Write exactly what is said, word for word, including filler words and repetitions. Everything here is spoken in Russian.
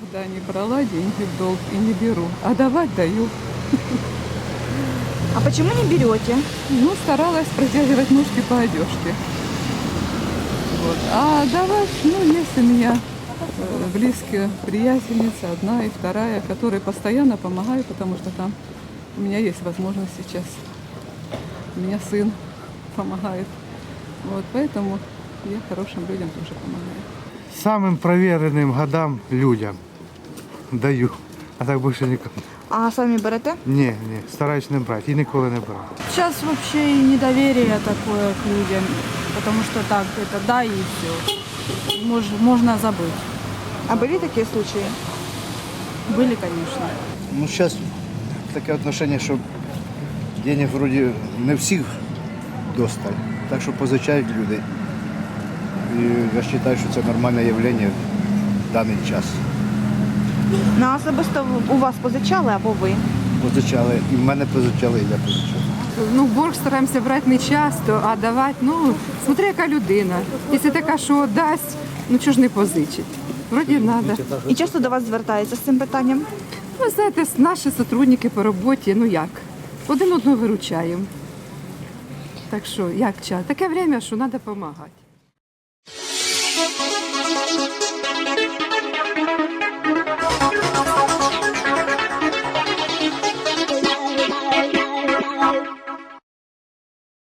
никогда не брала деньги в долг и не беру, а давать даю. А почему не берете? Ну, старалась протягивать ножки по одежке. Вот. А давать, ну, есть у меня э, близкие приятельницы, одна и вторая, которые постоянно помогают, потому что там у меня есть возможность сейчас. У меня сын помогает. Вот, поэтому я хорошим людям тоже помогаю. Самым проверенным годам людям даю, а так більше нікому. А самі берете? Ні, ні, стараюсь не брати і ніколи не брав. Сейчас вообще и недоверие такое к людям, потому что так, это да и все. Мож, можно забыть. А были такие случаи? Были, конечно. Ну, зараз таке отношення, що денег вроді не всіх досталь, так що позичають люди. І я вважаю, що це нормальне явлення в даний час. На особисто у вас позичали або ви? Позичали, і в мене позичали, і я позичав. Ну, борг стараємося брати не часто, а давати, ну, смотри, яка людина. Якщо така, що дасть, ну чого ж не позичить? Вроді треба. І часто до вас звертаються з цим питанням? Ви знаєте, наші сотрудники по роботі, ну як, один одного виручаємо. Так що, як час? Таке время, що треба допомагати.